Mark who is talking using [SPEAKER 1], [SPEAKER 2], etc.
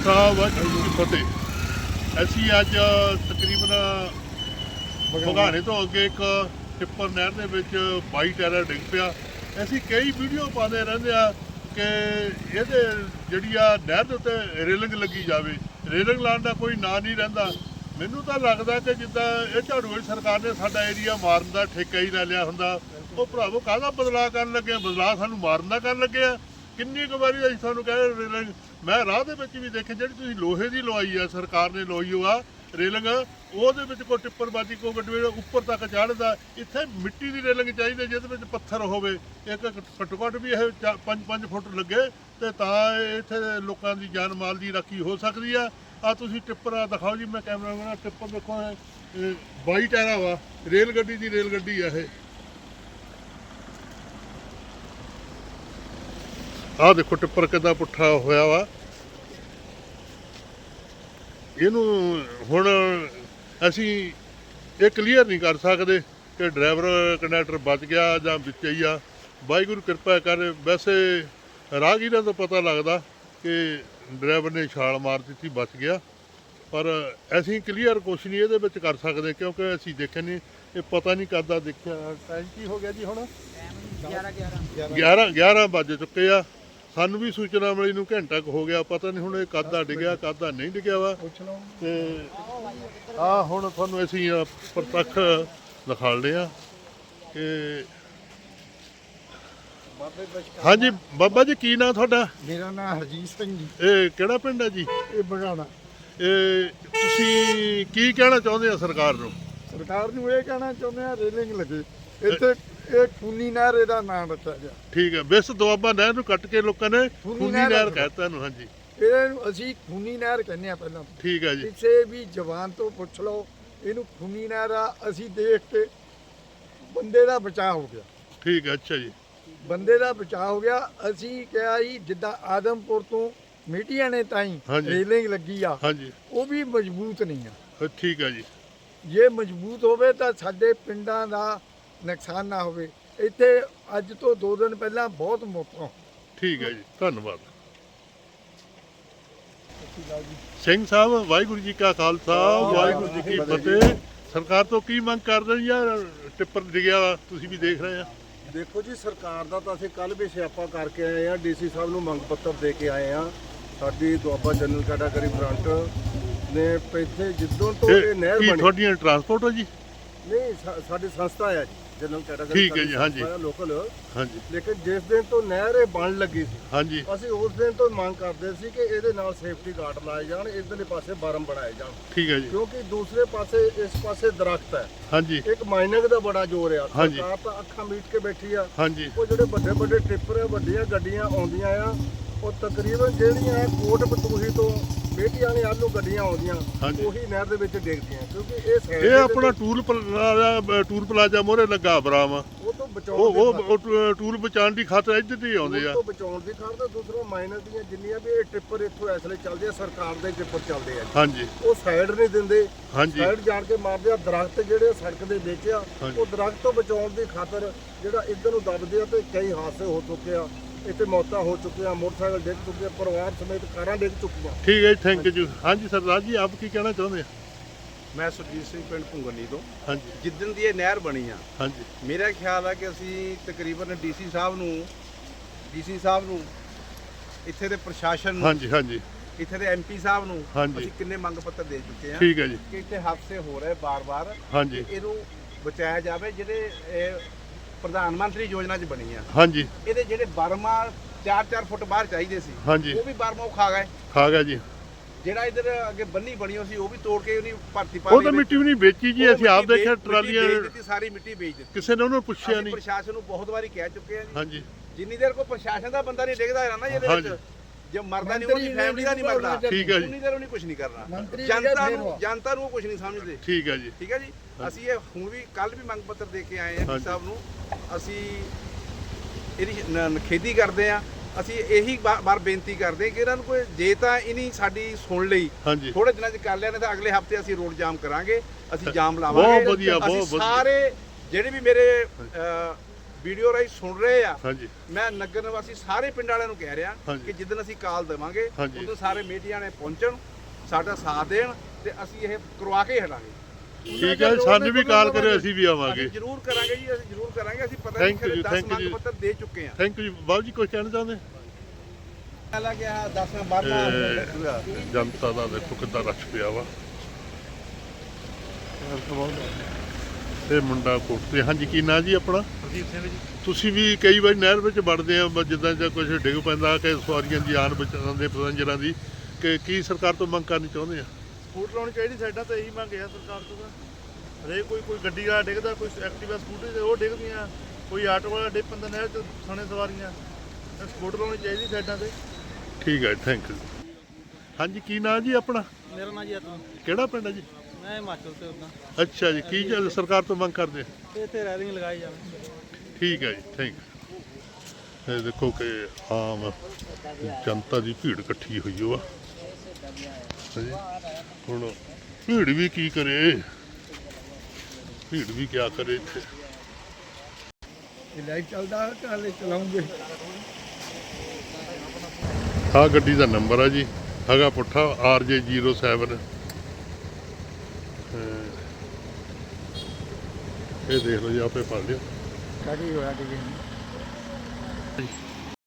[SPEAKER 1] ਖਾਲਸਾ ਵਾਹਿਗੁਰੂ ਜੀ ਕੀ ਫਤਿਹ। ਅਸੀਂ ਅੱਜ ਤਕਰੀਬਨ ਬਘਾਣੇ ਤੋਂ ਅੱਗੇ ਇੱਕ ਟਿੱਪਰ ਨਹਿਰ ਦੇ ਵਿੱਚ 22 ਟਾਇਰ ਡਿੱਗ ਪਿਆ। ਅਸੀਂ ਕਈ ਵੀਡੀਓ ਪਾਉਂਦੇ ਰਹਿੰਦੇ ਆ ਕਿ ਇਹਦੇ ਜਿਹੜੀ ਆ ਨਹਿਰ ਦੇ ਉੱਤੇ ਰੇਲਿੰਗ ਲੱਗੀ ਜਾਵੇ। ਰੇਲਿੰਗ ਲਾਉਣ ਦਾ ਕੋਈ ਨਾਂ ਨਹੀਂ ਰਹਿੰਦਾ। ਮੈਨੂੰ ਤਾਂ ਲੱਗਦਾ ਕਿ ਜਿੱਦਾਂ ਇਹ ਝਾੜੂ ਵਾਲੀ ਸਰਕਾਰ ਨੇ ਸਾਡਾ ਏਰੀਆ ਮਾਰਨ ਦਾ ਠੇਕਾ ਹੀ ਲੈ ਲਿਆ ਹੁੰਦਾ। ਉਹ ਭਰਾਵੋ ਕਾਹਦਾ ਬਦਲਾਅ ਕਰਨ ਲੱਗੇ ਆ? ਬਦਲਾਅ ਸਾਨੂੰ ਮਾਰਨ ਦਾ ਕਰਨ ਲੱਗੇ ਆ। ਕਿੰਨੀ ਕੁ ਵਾਰੀ ਅਸੀਂ ਤੁਹਾਨੂੰ ਕਹਿ ਰੇਲਿੰਗ, ਮੈਂ ਰਾਹ ਦੇ ਵਿੱਚ ਵੀ ਦੇਖਿਆ ਜਿਹੜੀ ਤੁਸੀਂ ਲੋਹੇ ਦੀ ਲਵਾਈ ਆ, ਸਰਕਾਰ ਨੇ ਲਵਾਈ ਹੋ ਆ ਰੇਲਿੰਗ, ਉਹਦੇ ਵਿੱਚ ਕੋਈ ਟਿੱਪਰ ਬਾਜੀ ਕੋਈ ਗੱਡੀ ਉੱਪਰ ਤੱਕ ਚੜ੍ਹਦਾ। ਇੱਥੇ ਮਿੱਟੀ ਦੀ ਰੇਲਿੰਗ ਚਾਹੀਦੀ ਜਿਹਦੇ ਵਿੱਚ ਪੱਥਰ ਹੋਵੇ। ਇੱਕ ਘੱਟੋ ਘੱਟ ਵੀ ਇਹ 5-5 ਫੁੱਟ ਲੱਗੇ ਤੇ ਤਾਂ ਇੱਥੇ ਲੋਕਾਂ ਦੀ ਜਾਨ ਮਾਲ ਦੀ ਰਾਖੀ ਹੋ ਸਕਦੀ ਆ। ਆ ਤੁਸੀਂ ਟਿੱਪਰ ਦਿਖਾਓ ਜੀ, ਮੈਂ ਕੈਮਰਾ ਟਿੱਪਰ ਦੇਖੋ, 22 ਟਾਇਰਾਂ ਵਾ, ਰੇਲ ਗੱਡੀ ਦੀ ਰੇਲ ਗੱਡੀ ਆ ਇਹ। ਆਹ ਦੇਖੋ ਟਿੱਪਰ ਕਿੱਦਾਂ ਪੁੱਠਾ ਹੋਇਆ ਵਾ। ਇਹਨੂੰ ਹੁਣ ਅਸੀਂ ਇਹ ਕਲੀਅਰ ਨਹੀਂ ਕਰ ਸਕਦੇ ਕਿ ਡਰਾਈਵਰ ਕੰਡਕਟਰ ਬਚ ਗਿਆ ਜਾਂ ਵਿੱਚ ਹੀ ਆ। ਵਾਹਿਗੁਰੂ ਕਿਰਪਾ ਕਰ। ਵੈਸੇ ਰਾਹਗੀਰਾਂ ਤੋਂ ਪਤਾ ਲੱਗਦਾ ਕਿ ਡਰਾਈਵਰ ਨੇ ਛਾਲ ਮਾਰ ਦਿੱਤੀ, ਬਚ ਗਿਆ, ਪਰ ਅਸੀਂ ਕਲੀਅਰ ਕੁਛ ਨਹੀਂ ਇਹਦੇ ਵਿੱਚ ਕਰ ਸਕਦੇ ਕਿਉਂਕਿ ਅਸੀਂ ਦੇਖਿਆ ਨਹੀਂ, ਇਹ ਪਤਾ ਨਹੀਂ ਕਰਦਾ। ਦੇਖਿਆ ਟਾਈਮ ਕੀ ਹੋ ਗਿਆ ਜੀ? ਹੁਣ 11 ਵੱਜ ਚੁੱਕੇ ਆ। ਸਾਨੂੰ ਵੀ ਸੂਚਨਾ ਮਿਲੀ ਨੂੰ ਘੰਟਾ ਕੁ ਹੋ ਗਿਆ। ਪਤਾ ਨਹੀਂ ਹੁਣ ਇਹ ਕਾਹਦਾ ਡਿੱਗਿਆ ਕਾਹਦਾ ਨਹੀਂ ਡਿੱਗਿਆ ਵਾ। ਤੇ ਆ ਹੁਣ ਤੁਹਾਨੂੰ ਅਸੀਂ ਪ੍ਰਤੱਖ ਦਿਖਾਉਂਦੇ ਆ ਕਿ ਹਾਂਜੀ ਬਾਬਾ ਜੀ, ਕੀ ਨਾਂ ਤੁਹਾਡਾ?
[SPEAKER 2] ਮੇਰਾ ਨਾਮ ਹਰਜੀਤ ਸਿੰਘ ਜੀ।
[SPEAKER 1] ਇਹ ਕਿਹੜਾ ਪਿੰਡ ਹੈ ਜੀ?
[SPEAKER 2] ਇਹ ਬਘਾਣਾ।
[SPEAKER 1] ਇਹ ਤੁਸੀਂ ਕੀ ਕਹਿਣਾ ਚਾਹੁੰਦੇ ਆ ਸਰਕਾਰ ਨੂੰ?
[SPEAKER 2] ਸਰਕਾਰ ਨੂੰ ਇਹ ਕਹਿਣਾ ਚਾਹੁੰਦੇ ਆ ਰੇਲਿੰਗ ਲੱਗੇ ਇੱਥੇ। ਇਹ ਖੂਨੀ ਨਹਿਰ ਇਹਦਾ ਨਾਮ ਰੱਖਿਆ ਗਿਆ।
[SPEAKER 1] ਠੀਕ ਹੈ। ਵਿਸ ਦੁਆਬਾ ਨਹਿਰ ਨੂੰ ਕੱਟ ਕੇ ਲੋਕਾਂ ਨੇ ਖੂਨੀ ਨਹਿਰ ਕਹਿਤਾ ਇਹਨੂੰ। ਹਾਂਜੀ,
[SPEAKER 2] ਇਹਨੂੰ ਅਸੀਂ ਖੂਨੀ ਨਹਿਰ ਕਹਿੰਦੇ ਆ ਪਹਿਲਾਂ।
[SPEAKER 1] ਠੀਕ ਹੈ ਜੀ।
[SPEAKER 2] ਕਿਸੇ ਵੀ ਜਵਾਨ ਤੋਂ ਪੁੱਛ ਲਓ, ਇਹਨੂੰ ਖੂਨੀ ਨਹਿਰ ਆ। ਅਸੀਂ ਦੇਖ ਕੇ ਬੰਦੇ ਦਾ ਬਚਾਅ ਹੋ ਗਿਆ।
[SPEAKER 1] ਠੀਕ ਹੈ, ਅੱਛਾ ਜੀ।
[SPEAKER 2] ਬੰਦੇ ਦਾ ਬਚਾਅ ਹੋ ਗਿਆ। ਅਸੀਂ ਕਿਹਾ ਜੀ ਜਿੱਦਾਂ ਆਦਮਪੁਰ ਤੋਂ ਮੀਟੀਆਂ ਨੇ ਤਾਈਂ ਰੇਲਿੰਗ ਲੱਗੀ ਆ,
[SPEAKER 1] ਹਾਂਜੀ,
[SPEAKER 2] ਉਹ ਵੀ ਮਜ਼ਬੂਤ ਨਹੀਂ ਆ।
[SPEAKER 1] ਠੀਕ ਹੈ ਜੀ।
[SPEAKER 2] ਜੇ ਮਜ਼ਬੂਤ ਹੋਵੇ ਤਾਂ ਸਾਡੇ ਪਿੰਡਾਂ ਦਾ ਨੁਕਸਾਨ ਨਾ ਹੋਵੇ। ਇੱਥੇ ਅੱਜ ਤੋਂ 2 ਦਿਨ ਪਹਿਲਾਂ ਬਹੁਤ ਮੌਤਾਂ।
[SPEAKER 1] ਠੀਕ ਹੈ ਜੀ, ਧੰਨਵਾਦ। ਸਿੰਘ ਸਾਹਿਬ, ਵਾਹਿਗੁਰੂ ਜੀ ਕਾ ਖਾਲਸਾ ਵਾਹਿਗੁਰੂ ਜੀ ਕੀ ਫਤਿਹ। ਸਰਕਾਰ ਤੋਂ ਕੀ ਮੰਗ ਕਰਦੇ ਜੀ? ਯਾਰ ਟਿੱਪਰ ਡਿੱਗਿਆ ਵਾ, ਤੁਸੀਂ ਵੀ ਦੇਖ ਰਹੇ ਆ।
[SPEAKER 3] ਦੇਖੋ ਜੀ, ਸਰਕਾਰ ਦਾ ਤਾਂ ਅਸੀਂ ਕੱਲ ਵੀ ਸਿਆਪਾ ਕਰਕੇ ਆਏ ਆ। ਡੀਸੀ ਸਾਹਿਬ ਨੂੰ ਮੰਗ ਪੱਤਰ ਦੇ ਕੇ ਆਏ ਆ। ਸਾਡੀ ਦੁਆਬਾ ਜਨਰਲ ਕੈਟਾਗਰੀ ਫਰੰਟ ਨੇ ਇੱਥੇ ਜਿੱਦੋਂ ਤੋਂ ਇਹ ਨਹਿਰ ਬਣੀ।
[SPEAKER 1] ਤੁਹਾਡੀਆਂ ਟਰਾਂਸਪੋਰਟ ਹੋ ਜੀ?
[SPEAKER 3] ਨਹੀਂ, ਸਾਡੀ ਸੰਸਥਾ ਆ ਜੀ ਜਨਰਲ ਕੈਟਾਗਰੀ।
[SPEAKER 1] ਠੀਕ ਹੈ ਜੀ। ਹਾਂਜੀ,
[SPEAKER 3] ਲੋਕਲ।
[SPEAKER 1] ਹਾਂਜੀ।
[SPEAKER 3] ਲੇਕਿਨ ਜਿਸ ਦਿਨ ਤੋਂ ਨਹਿਰ ਇਹ ਬਣ ਲੱਗੀ ਸੀ,
[SPEAKER 1] ਹਾਂਜੀ,
[SPEAKER 3] ਅਸੀਂ ਉਸ ਦਿਨ ਤੋਂ ਮੰਗ ਕਰਦੇ ਸੀ ਕਿ ਇਹਦੇ ਨਾਲ ਸੇਫਟੀ ਗਾਰਡ ਲਾਏ ਜਾਣ, ਇਧਰਲੇ ਪਾਸੇ ਬਾਰਮ ਬਣਾਏ ਜਾਣ।
[SPEAKER 1] ਠੀਕ ਹੈ ਜੀ।
[SPEAKER 3] ਕਿਉਂਕਿ ਦੂਸਰੇ ਪਾਸੇ ਇਸ ਪਾਸੇ ਦਰਖਤ ਹੈ।
[SPEAKER 1] ਹਾਂਜੀ,
[SPEAKER 3] ਇੱਕ ਮਾਈਨਿੰਗ ਦਾ ਬੜਾ ਜ਼ੋਰ ਆ।
[SPEAKER 1] ਹਾਂਜੀ।
[SPEAKER 3] ਸਰਕਾਰ ਤਾਂ ਅੱਖਾਂ ਮੀਟ ਕੇ ਬੈਠੀ ਆ।
[SPEAKER 1] ਹਾਂਜੀ,
[SPEAKER 3] ਉਹ ਜਿਹੜੇ ਵੱਡੇ ਵੱਡੇ ਟਿੱਪਰ, ਵੱਡੀਆਂ ਗੱਡੀਆਂ ਆਉਂਦੀਆਂ ਆ, ਉਹ ਤਕਰੀਬਨ ਜਿਹੜੀਆਂ ਕੋਟ ਬਤੂਹੀ ਤੋਂ ਬੇਟੀ ਵਾਲੇ ਆਲੂ ਗੱਡੀਆਂ ਆਉਂਦੀਆਂ, ਉਹੀ ਨਹਿਰ ਦੇ ਵਿੱਚ ਡਿੱਗਦੀਆਂ। ਕਿਉਂਕਿ
[SPEAKER 1] ਇਹ ਆਪਣਾ ਟੂਲ ਪਲਾਜ਼ਾ ਮੋਹਰੇ ਲੱਗਾ ਬਰਾਮ,
[SPEAKER 3] ਉਹ ਤੋਂ ਬਚਾਉਣ
[SPEAKER 1] ਉਹ ਟੂਲ ਬਚਾਉਣ ਦੀ ਖਾਤਰ ਇੱਧਰ ਹੀ ਆਉਂਦੇ ਆ।
[SPEAKER 3] ਉਹ ਤੋਂ ਬਚਾਉਣ ਦੀ ਖਾਤਰ ਦੂਸਰਾ ਮਾਈਨਰ ਦੀਆਂ ਜਿੰਨੀਆਂ ਵੀ ਇਹ ਟਿੱਪਰ ਇੱਥੋਂ ਇਸ ਵੇਲੇ ਚੱਲਦੇ ਆ, ਸਰਕਾਰ ਦੇ ਟਿੱਪਰ ਚੱਲਦੇ ਆ।
[SPEAKER 1] ਹਾਂਜੀ,
[SPEAKER 3] ਉਹ ਸਾਈਡ ਨਹੀਂ ਦਿੰਦੇ।
[SPEAKER 1] ਹਾਂਜੀ,
[SPEAKER 3] ਸਾਈਡ ਜਾਣ ਕੇ ਮਾਰਦੇ ਆ। ਦਰਖਤ ਜਿਹੜੇ ਸੜਕ ਦੇ ਵਿੱਚ ਆ, ਉਹ ਦਰਖਤ ਤੋਂ ਬਚਾਉਣ ਦੀ ਖਾਤਰ ਜਿਹੜਾ ਇੱਧਰ ਨੂੰ ਦੱਬਦੇ ਆ, ਤੇ ਕਈ ਹਾਦਸੇ ਹੋ ਚੁੱਕੇ ਆ। ਇੱਥੇ ਮੌਤਾਂ ਹੋ ਚੁੱਕੀਆਂ, ਮੋਟਰਸਾਈਕਲ ਡਿੱਗ ਚੁੱਕੇ, ਪਰਿਵਾਰ ਸਮੇਤ ਕਾਰਾਂ ਡਿੱਗ ਚੁੱਕੀਆਂ।
[SPEAKER 1] ਠੀਕ ਹੈ ਜੀ, ਥੈਂਕ ਯੂ। ਹਾਂਜੀ ਸਰਦਾਰ ਜੀ, ਆਪ ਕੀ ਕਹਿਣਾ ਚਾਹੁੰਦੇ ਆ?
[SPEAKER 4] ਮੈਂ ਸੁਰਜੀਤ ਸਿੰਘ, ਪਿੰਡ ਭੁੰਗਨੀ ਤੋਂ।
[SPEAKER 1] ਹਾਂਜੀ,
[SPEAKER 4] ਜਿੱਦਣ ਦੀ ਇਹ ਨਹਿਰ ਬਣੀ ਆ,
[SPEAKER 1] ਹਾਂਜੀ,
[SPEAKER 4] ਮੇਰਾ ਖਿਆਲ ਆ ਕਿ ਅਸੀਂ ਤਕਰੀਬਨ ਡੀਸੀ ਸਾਹਿਬ ਨੂੰ, ਇੱਥੇ ਦੇ ਪ੍ਰਸ਼ਾਸਨ ਨੂੰ,
[SPEAKER 1] ਹਾਂਜੀ, ਹਾਂਜੀ,
[SPEAKER 4] ਇੱਥੇ ਦੇ ਐਮਪੀ ਸਾਹਿਬ ਨੂੰ
[SPEAKER 1] ਹਾਂਜੀ।
[SPEAKER 4] ਅਸੀਂ ਕਿੰਨੇ ਮੰਗ ਪੱਤਰ ਦੇ ਚੁੱਕੇ ਆ
[SPEAKER 1] ਠੀਕ ਹੈ ਜੀ।
[SPEAKER 4] ਕਿ ਇੱਥੇ ਹਾਦਸੇ ਹੋ ਰਹੇ ਬਾਰ-ਬਾਰ।
[SPEAKER 1] ਹਾਂਜੀ,
[SPEAKER 4] ਇਹਨੂੰ ਬਚਾਇਆ ਜਾਵੇ। ਜਿਹੜੇ ਇਹ ਪ੍ਰਧਾਨ ਮੰਤਰੀ ਯੋਜਨਾ 'ਚ ਬਣੀ ਆ,
[SPEAKER 1] ਹਾਂਜੀ,
[SPEAKER 4] ਇਹਦੇ ਜਿਹੜੇ ਬਰਮਾ 4-4 ਫੁੱਟ ਬਾਹਰ ਚਾਹੀਦੇ ਸੀ,
[SPEAKER 1] ਹਾਂਜੀ,
[SPEAKER 4] ਉਹ ਵੀ ਬਰਮਾ ਉਹ ਖਾ ਗਏ।
[SPEAKER 1] ਖਾ ਗਿਆ ਜੀ।
[SPEAKER 4] ਜਿਹੜਾ ਇੱਧਰ ਅੱਗੇ ਬੰਨੀ ਬਣੀ ਹੋਈ ਸੀ, ਉਹ ਵੀ ਤੋੜ ਕੇ ਉਹਨੇ ਭਰਤੀ ਪਾ
[SPEAKER 1] ਉਹ ਤਾਂ ਮਿੱਟੀ ਵੀ ਨਹੀਂ ਵੇਚੀ ਜੀ। ਅਸੀਂ ਆਪ ਦੇਖਿਆ ਟਰਾਲੀਆਂ,
[SPEAKER 4] ਸਾਰੀ ਮਿੱਟੀ ਵੇਚ ਦਿੱਤੀ।
[SPEAKER 1] ਕਿਸੇ ਨੇ ਉਹਨੂੰ ਪੁੱਛਿਆ
[SPEAKER 4] ਅਸੀਂ
[SPEAKER 1] ਨਹੀਂ।
[SPEAKER 4] ਪ੍ਰਸ਼ਾਸਨ ਨੂੰ ਬਹੁਤ ਵਾਰੀ ਕਹਿ ਚੁੱਕੇ ਆ ਜੀ।
[SPEAKER 1] ਹਾਂਜੀ,
[SPEAKER 4] ਜਿੰਨੀ ਦੇਰ ਕੋਈ ਪ੍ਰਸ਼ਾਸਨ ਦਾ ਬੰਦਾ ਨਹੀਂ ਡਿੱਗਦਾ ਹੈ ਨਾ ਇਹਦੇ ਵਿੱਚ, ਜੇ ਮਰਦਾ ਨਹੀਂ, ਉਹਦੀ ਫੈਮਿਲੀ ਦਾ ਨਹੀਂ ਮਰਦਾ,
[SPEAKER 1] ਠੀਕ ਹੈ ਜੀ।
[SPEAKER 4] ਉਨੀ ਦੇਰ ਉਹਨੇ ਕੁਝ ਨਹੀਂ ਕਰਨਾ।
[SPEAKER 2] ਮੰਤਰੀ
[SPEAKER 4] ਜਨਤਾ ਨੂੰ ਉਹ ਕੁਝ ਨਹੀਂ ਸਮਝਦੇ।
[SPEAKER 1] ਠੀਕ ਹੈ ਜੀ।
[SPEAKER 4] ਠੀਕ ਹੈ ਜੀ। ਅਸੀਂ ਇਹ ਹੁਣ ਵੀ ਕੱਲ ਵੀ ਮੰਗ ਪੱਤਰ ਦੇ ਕੇ ਆਏ ਆ ਡੀ ਸਾਹਿਬ ਨੂੰ। ਅਸੀਂ ਇਹਦੀ ਨਿਖੇਧੀ ਕਰਦੇ ਆ। ਅਸੀਂ ਇਹੀ ਬਾਰ ਬੇਨਤੀ ਕਰਦੇ ਕਿ ਇਹਨਾਂ ਨੂੰ ਕੋਈ, ਜੇ ਤਾਂ ਇਹਨੀ ਸਾਡੀ ਸੁਣ ਲਈ, ਥੋੜੇ ਦਿਨਾਂ 'ਚ ਕਰ ਲਿਆ, ਨਹੀਂ ਤਾਂ ਅਗਲੇ ਹਫਤੇ ਅਸੀਂ ਰੋਡ ਜਾਮ ਕਰਾਂਗੇ। ਅਸੀਂ ਜਾਮ ਲਾਵਾਂਗੇ।
[SPEAKER 1] ਬਹੁਤ ਵਧੀਆ, ਬਹੁਤ
[SPEAKER 4] ਸਾਰੇ ਜਿਹੜੇ ਵੀ ਮੇਰੇ ਵੀਡੀਓ ਰਾਹੀਂ ਸੁਣ ਰਹੇ ਆ।
[SPEAKER 1] ਹਾਂਜੀ
[SPEAKER 4] ਮੈਂ ਨਗਰ ਨਿਵਾਸੀ ਸਾਰੇ ਪਿੰਡ ਵਾਲਿਆਂ ਨੂੰ ਕਹਿ ਰਿਹਾ
[SPEAKER 1] ਹਾਂਜੀ।
[SPEAKER 4] ਕਿ ਜਿੱਦਣ ਅਸੀਂ ਕਾਲ ਦੇਵਾਂਗੇ
[SPEAKER 1] ਹਾਂਜੀ।
[SPEAKER 4] ਉਦੋਂ ਸਾਰੇ ਮੀਡੀਆ ਨੇ ਪਹੁੰਚਣ, ਸਾਡਾ ਸਾਥ ਦੇਣ ਤੇ ਅਸੀਂ ਇਹ ਕਰਵਾ ਕੇ ਹਟਾਂਗੇ।
[SPEAKER 1] ਠੀਕ ਹੈ, ਸਾਨੂੰ ਵੀ ਕਾਲ ਕਰਿਓ, ਅਸੀਂ ਵੀ ਆਵਾਂਗੇ।
[SPEAKER 4] ਅਸੀਂ ਜ਼ਰੂਰ ਕਰਾਂਗੇ ਜੀ, ਅਸੀਂ ਜ਼ਰੂਰ ਕਰਾਂਗੇ। ਅਸੀਂ ਪਤਾ
[SPEAKER 1] Thank
[SPEAKER 4] ਨਹੀਂ
[SPEAKER 1] you,
[SPEAKER 4] 10
[SPEAKER 1] thank you
[SPEAKER 4] ਮੰਗ
[SPEAKER 1] ਜੀ।
[SPEAKER 4] ਪੱਤਰ ਦੇ ਚੁੱਕੇ ਆ।
[SPEAKER 1] ਥੈਂਕ ਯੂ ਬਾਬੂ ਜੀ, ਕੁਝ ਕਹਿਣਾ ਚਾਹੁੰਦੇ?
[SPEAKER 4] ਪਹਿਲਾਂ ਗਿਆ 10 12
[SPEAKER 1] ਜਨਤਾ ਦਾ ਦੇਖੋ ਕਿੱਦਾਂ ਰਸ਼ ਪਿਆ ਵਾ। ਇਹ ਮੁੰਡਾ ਕੋਟਤੇ। ਹਾਂਜੀ ਕੀ ਨਾਂ ਜੀ ਆਪਣਾ?
[SPEAKER 5] ਪ੍ਰਦੀਪ ਸਿੰਘ ਜੀ।
[SPEAKER 1] ਤੁਸੀਂ ਵੀ ਕਈ ਵਾਰੀ ਨਹਿਰ ਵਿੱਚ ਵੜਦੇ ਆ, ਜਿੱਦਾਂ ਜਾਂ ਕੁਝ ਡਿੱਗ ਪੈਂਦਾ ਕਿ ਸਵਾਰੀਆਂ ਦੀ ਆਨ ਬਚਾਉਣ ਦੇ ਪੈਸੰਜਰਾਂ ਦੀ, ਕਿ ਕੀ ਸਰਕਾਰ ਤੋਂ ਮੰਗ ਕਰਨੀ ਚਾਹੁੰਦੇ ਆ?
[SPEAKER 5] ਸਕੂਟਰ ਲਾਉਣੀ ਚਾਹੀਦੀ ਸਾਈਡਾਂ ਤੇ, ਇਹੀ ਮੰਗ ਹੈ ਸਰਕਾਰ ਤੋਂ। ਤਾਂ ਹਰੇਕ ਕੋਈ ਗੱਡੀ ਵਾਲਾ ਡਿੱਗਦਾ, ਕੋਈ ਐਕਟਿਵਾ ਸਕੂਟਰ ਤੇ ਉਹ ਡਿੱਗਦੀਆਂ, ਕੋਈ ਆਟੋ ਵਾਲਾ ਡਿੱਗ ਪੈਂਦਾ ਨਹਿਰ 'ਚ ਸਣੇ ਸਵਾਰੀਆਂ। ਸਕੂਟਰ ਲਾਉਣੀ ਚਾਹੀਦੀ ਸਾਈਡਾਂ ਤੇ।
[SPEAKER 1] ਠੀਕ ਹੈ, ਥੈਂਕ ਯੂ। ਹਾਂਜੀ ਕੀ ਨਾਂ ਜੀ ਆਪਣਾ?
[SPEAKER 5] ਮੇਰਾ ਨਾਂ ਜੀ ਅਤਨ।
[SPEAKER 1] ਕਿਹੜਾ ਪਿੰਡ ਹੈ ਜੀ?
[SPEAKER 5] ਮੈਂ ਹਿਮਾਚਲ ਤੇ ਉੱਦਾਂ
[SPEAKER 1] ਅੱਛਾ ਜੀ, ਕੀ ਗੱਲ ਸਰਕਾਰ ਤੋਂ ਮੰਗ ਕਰਦੇ ਆ?
[SPEAKER 5] ਤੇ ਇੱਥੇ ਰੈਲਿੰਗ ਲਗਾਈ ਜਾਵੇ।
[SPEAKER 1] ਠੀਕ ਹੈ ਜੀ, ਥੈਂਕ ਯੂ। ਇਹ ਦੇਖੋ ਕਿ ਆਮ ਜਨਤਾ ਦੀ ਭੀੜ ਇਕੱਠੀ ਹੋਈ ਹੋਆ। ਹਾਂਜੀ, ਹੁਣ ਭੀੜ ਵੀ ਕੀ ਕਰੇ, ਭੀੜ ਵੀ ਕਿਆ ਕਰੇ ਇੱਥੇ।
[SPEAKER 2] ਇਹ ਲਾਈਵ ਚੱਲਦਾ ਕਾਲੇ ਚਲਾਉਂਗੇ।
[SPEAKER 1] ਆਹ ਗੱਡੀ ਦਾ ਨੰਬਰ ਆ ਜੀ, ਹੈਗਾ ਪੁੱਠਾ RJ07। ਇਹ ਦੇਖ ਲਓ ਜੀ, ਆਪੇ ਪੜ ਲਿਓ।
[SPEAKER 2] ਕਾਹਦੀ ਹੋਇਆ ਕਿ